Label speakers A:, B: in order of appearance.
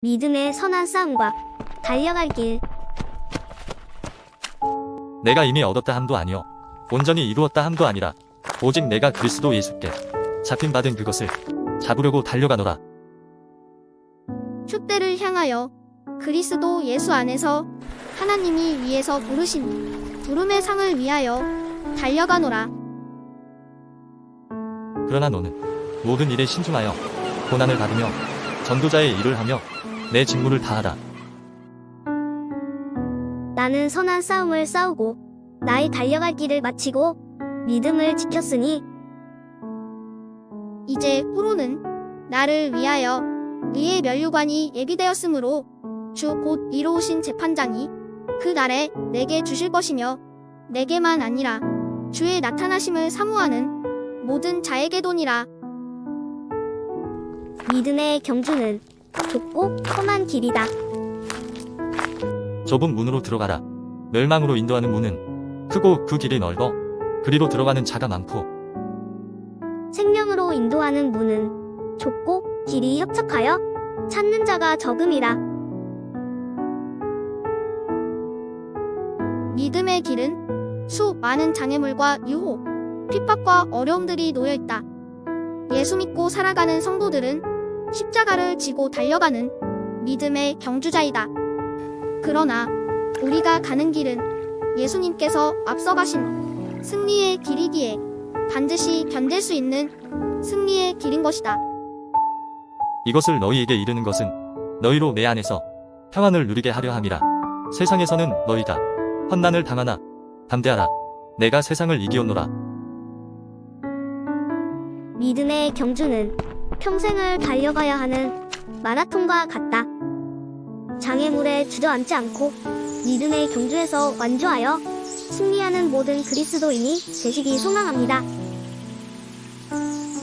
A: 믿음의 선한 싸움과 달려갈 길.
B: 내가 이미 얻었다 함도 아니요 온전히 이루었다 함도 아니라 오직 내가 그리스도 예수께 잡힌 받은 그것을 잡으려고 달려가노라.
C: 촛대를 향하여 그리스도 예수 안에서 하나님이 위에서 부르신 부름의 상을 위하여 달려가노라.
B: 그러나 너는 모든 일에 신중하여 고난을 받으며 전도자의 일을 하며 내 직무를 다하라.
A: 나는 선한 싸움을 싸우고 나의 달려갈 길을 마치고 믿음을 지켰으니
C: 이제 후로는 나를 위하여 의의 면류관이 예비되었으므로 주 곧 이로우신 재판장이 그 날에 내게 주실 것이며 내게만 아니라 주의 나타나심을 사모하는 모든 자에게도니라.
A: 믿음의 경주는 좁고 험한 길이다.
B: 좁은 문으로 들어가라. 멸망으로 인도하는 문은 크고 그 길이 넓어 그리로 들어가는 자가 많고
A: 생명으로 인도하는 문은 좁고 길이 협착하여 찾는 자가 적음이라.
C: 믿음의 길은 수 많은 장애물과 유혹, 핍박과 어려움들이 놓여있다. 예수 믿고 살아가는 성도들은 십자가를 지고 달려가는 믿음의 경주자이다. 그러나 우리가 가는 길은 예수님께서 앞서가신 승리의 길이기에 반드시 견딜 수 있는 승리의 길인 것이다.
B: 이것을 너희에게 이르는 것은 너희로 내 안에서 평안을 누리게 하려 함이라. 세상에서는 너희가 환난을 당하나 담대하라. 내가 세상을 이기었노라.
A: 믿음의 경주는 평생을 달려가야 하는 마라톤과 같다. 장애물에 주저앉지 않고 믿음의 경주에서 완주하여 승리하는 모든 그리스도인이 되시기 소망합니다.